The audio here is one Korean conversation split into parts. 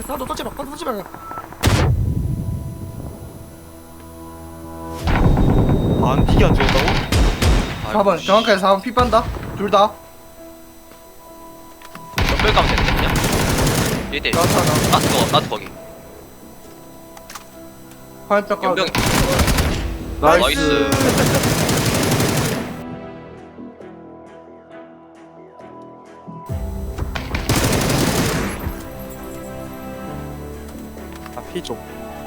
나도 터치 마. 터치 마. 픽이 안 좋았다고? 4번 정확하게 4번 피 빤다. 둘 다. 연결 가면 되는데 그냥? 1대1 나타. 나도 거기 화염병 까. 연병 나이스. 피 좀.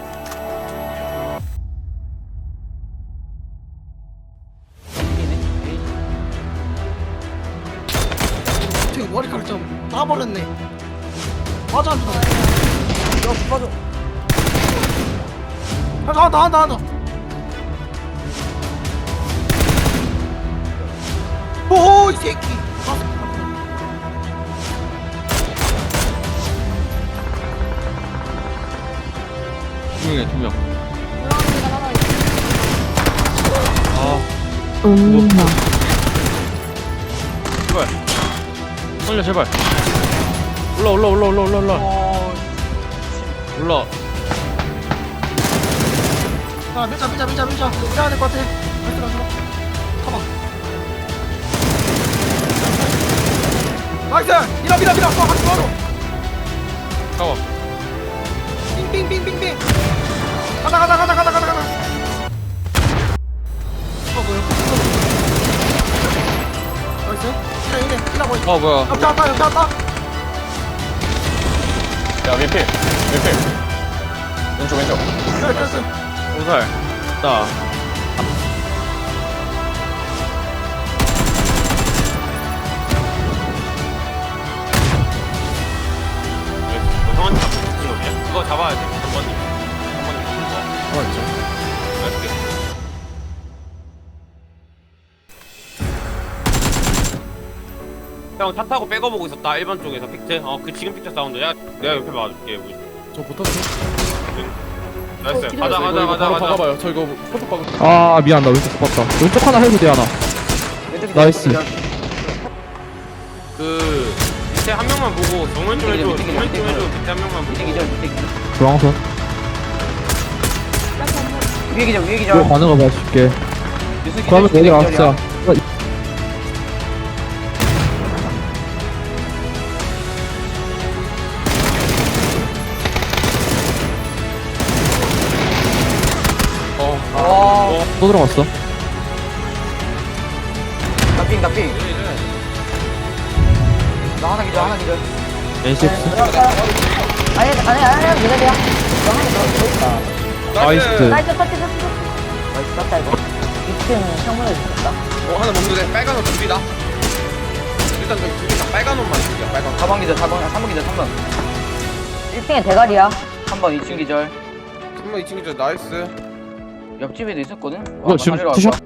저기 머리카락 좀 따버렸네. 맞아 안 돼. 야 빠져. 한다. 오이 새끼. 두 명. 엄마. 제발. 살려 제발. 올라. 올라. 아 밀자. 밀어야 될 것 같아. 가자. 가봐. 나이스. 밀어. 같이 바로. 가워. 빙빙빙빙빙. 가자. 뭐야? 나이스. 이래 보이. 뭐야. 옆에 왔다. 야 밀필 왼쪽 됐어. 오살. 나. 형한테 잡힌 놈이야? 그거 잡아야 돼 3번님 하나 있죠. 형차 타고 백어보고 있었다 1번 쪽에서 픽트 그 지금 픽트 사운드야 내가 옆에 봐줄게 우리 저 붙었어. 나이스 기다려. 가자 박아봐요. 저 이거 포토 박아. 아 미안 나 왼쪽 봤다. 왼쪽 하나 해도 돼 하나. 나이스. 그 밑에 한 명만 보고 정면 좀 해줘 밑에 한 명만 보고 중앙선. 위에 기절 이거 가는 거 봐줄게. 그러면 여기 왔어. 또 들어갔어. 나핑 나 하나 기절 N6. 아니, 기다려. 너 있다. 나이스. 나이스, 터치. 나이스, 땄다, 이거. 2층 창문에 있었다. 하나 먹는 데 빨간 옷 둘이다. 일단 저기 둘이다 빨간 옷만 줄게. 빨간. 4번 기절 3번 기절 3번 1층에 대가리야. 3번 2층 기절 3번 2층이죠. 나이스. 옆집에도 있었거든? 이거 지금 투샷?